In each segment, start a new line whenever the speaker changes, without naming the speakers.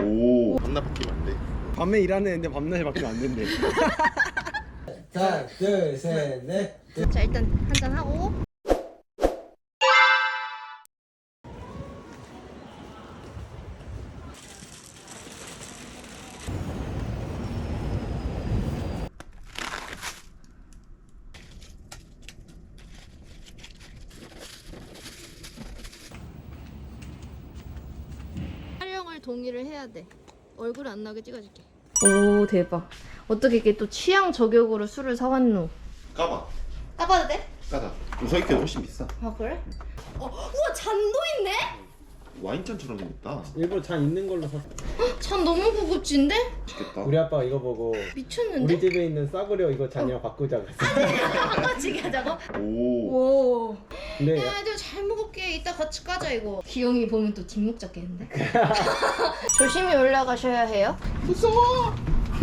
오, 밤낮 바뀌면 안 돼.
밤에 일하는 애인데 밤낮에 바뀌면 안 된대.
하나, 둘, 셋, 넷.
자, 일단 한잔 하고. 촬영을 동의를 해야 돼. 얼굴 안 나게 찍어줄게. 오, 대박. 어떻게 이렇게 또 취향 저격으로 술을 사왔노?
까봐.
까봐도 돼?
까다. 우석이께 훨씬 비싸.
아, 그래? 우와, 잔도 있네?
와인잔처럼 생겼다.
일부러 잔 있는 걸로 샀어.
잔 너무 고급진데?
맛있겠다.
우리 아빠가 이거 보고
미쳤는데?
우리 집에 있는 싸구려 이거 잔이랑 바꾸자고 했어.
같이 하자고?
오.
오.
근데
야, 애들 잘 먹을게. 이따 같이 까자, 이거. 기영이 보면 또 뒷목 잡겠는데? 조심히 올라가셔야 해요.
무서워.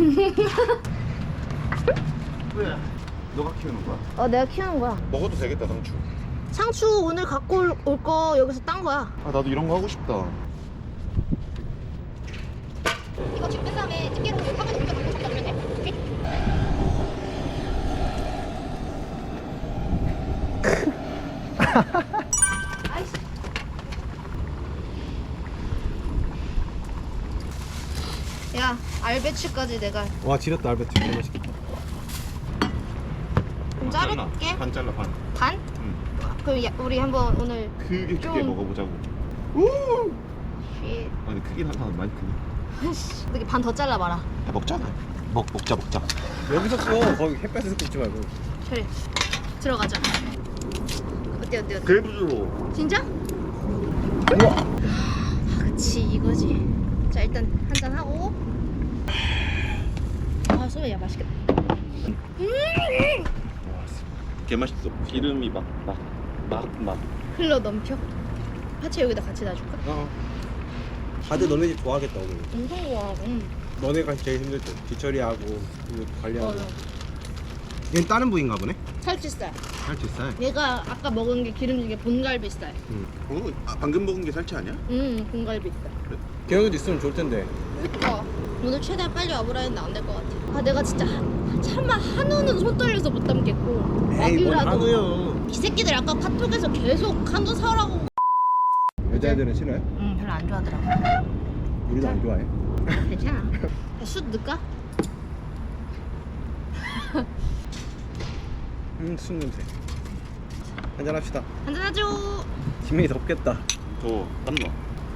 왜? 너가 키우는 거야?
내가 키우는 거야.
먹어도 되겠다, 상추.
상추 오늘 갖고 올 거 여기서 딴 거야.
아, 나도 이런 거 하고 싶다.
이거 지금 뺀 다음에 집게로 화분에 옮겨 놓고 저기다 놓으면 돼. 오케이? 아이씨. 야, 알배추까지 내가
와 지렸다 알베트. 진짜 맛있겠다.
좀 자를게.
반 잘라, 반.
반?
응.
그럼 우리 한번 오늘
크게
좀-
먹어보자고. 우!
쉿.
아니, 크긴 하다. 많이 크네.
이렇게 반 더 잘라봐라.
야, 먹자. 먹자.
여기서 써. 거기 햇볕에서 굽지 말고.
그래. 들어가자. 어때?
그래 부드러워.
진짜?
우와.
아, 그치, 이거지. 자, 일단 한잔 하고. 아, 소매야 맛있겠다.
개 맛있어. 기름이 막.
흘러 넘쳐. 파채 여기다 같이 놔줄까?
다들 너네 집 좋아하겠다 오늘.
엄청 좋아하고.
너네가 제일 힘들죠. 뒤처리하고 이거 관리하고.
맞아.
얘는 다른 부위인가 보네.
살치살.
살치살.
얘가 아까 먹은 게 기름지게 본갈비살.
방금 먹은 게 살치 아니야?
본갈비살.
기영이도 있으면 좋을 텐데.
그니까 오늘 최대한 빨리 와보라 했는데 안 될 것 같아. 아, 내가 진짜 참아 한우는 손 떨려서 못 담겠고.
에이 뭔
와규라도.
한우요.
이 새끼들 아까 카톡에서 계속 한우 사라고.
여자애들은 싫어해?
별로 안 좋아하더라고.
우리도 안 좋아해.
괜찮아. 숯 넣을까?
술 냄새. 한잔 합시다.
한잔 하죠.
지명이 덥겠다.
땀나.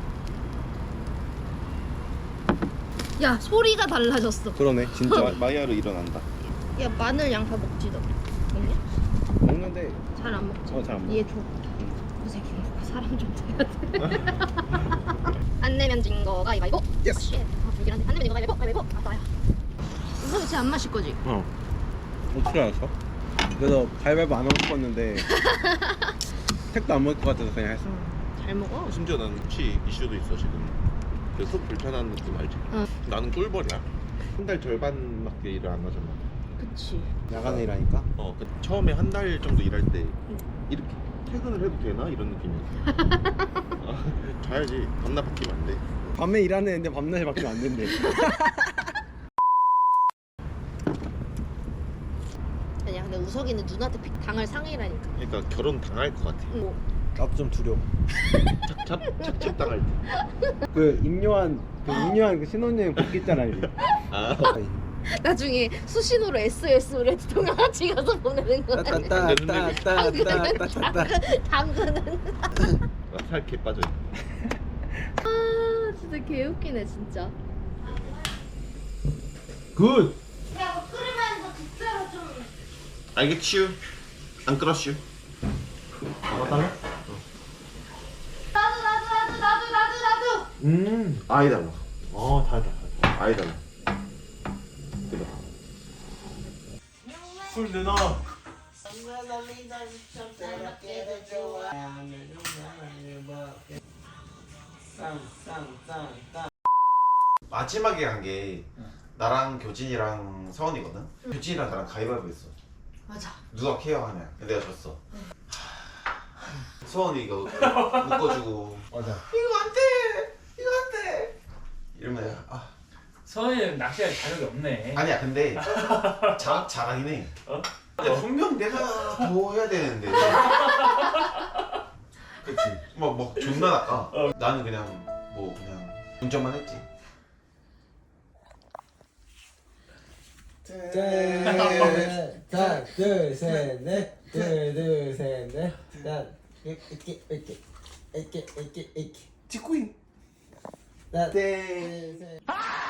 야, 소리가 달라졌어.
그러네 진짜.
마이야르 일어난다.
야, 마늘 양파 먹지 너. 먹냐?
먹는데
잘 안 먹지.
잘 안 먹어.
얘 줘. 이 새끼 먹고 사람 좀 돼야 돼. 안 내면 진 거 가위바위보.
예스.
쉣. 불길한데. 안 내면 진 거 가위바위보. 아, 나야. 우석이 쟤안 마실 거지?
어떻게 알았어? 그래서 가위바위보 안 하고 싶었는데 택도 안 먹을 것 같아서 그냥 했어.
잘 먹어.
심지어 난 혹시 이슈도 있어 지금. 그 속 불편한 느낌 알지?
응.
나는 꿀벌이야. 한 달 절반밖에 일을 안 하잖아.
그치.
야간에 일하니까.
그 처음에 한 달 정도 일할 때 이렇게 퇴근을 해도 되나 이런 느낌이었어. 자야지. 밤낮 바뀌면 안 돼.
밤에 일하는 애인데 밤낮에 바뀌면 안 된대.
아니야, 근데 우석이는 누나한테 당할 상이라니까.
그러니까 결혼 당할 것 같아.
뭐.
나도 좀 두려워.
착착 당할 때.
그 임요한 그 신혼여행 복귀 있잖아 이제.
아.
나중에 수신호로 SOS 우리 동영 같이 가서 보내는 거야.
따따따따따따따따.
당근은.
살개 빠져.
아, 진짜 개웃기네 진짜.
굿.
야, 뭐 끓으면 진짜로 좀.
알겠슈. 안 끌었슈.
먹어달래?
나도.
아이 달라.
달다.
아이 달라. 그래.
술 내놔.
마지막에 간 게 나랑 교진이랑 서원이거든. 교진이랑 나랑 가위바위보 했어.
맞아.
누가 케어하냐. 내가 졌어. 서원이가 묶어주고.
맞아.
이거 안 돼. 이거 안 돼. 이러면
서현이는 낚시할 자격이 없네.
아니야 근데 잘하긴 해. 근데 분명 내가 더 해야 되는데. 그치. 막 존나 낚아. 나는 그냥 그냥 운전만 했지.
자, 둘, 셋, 넷. 둘, 셋, 넷. 자, 이렇게.
찍고 있.
자, 둘, 셋.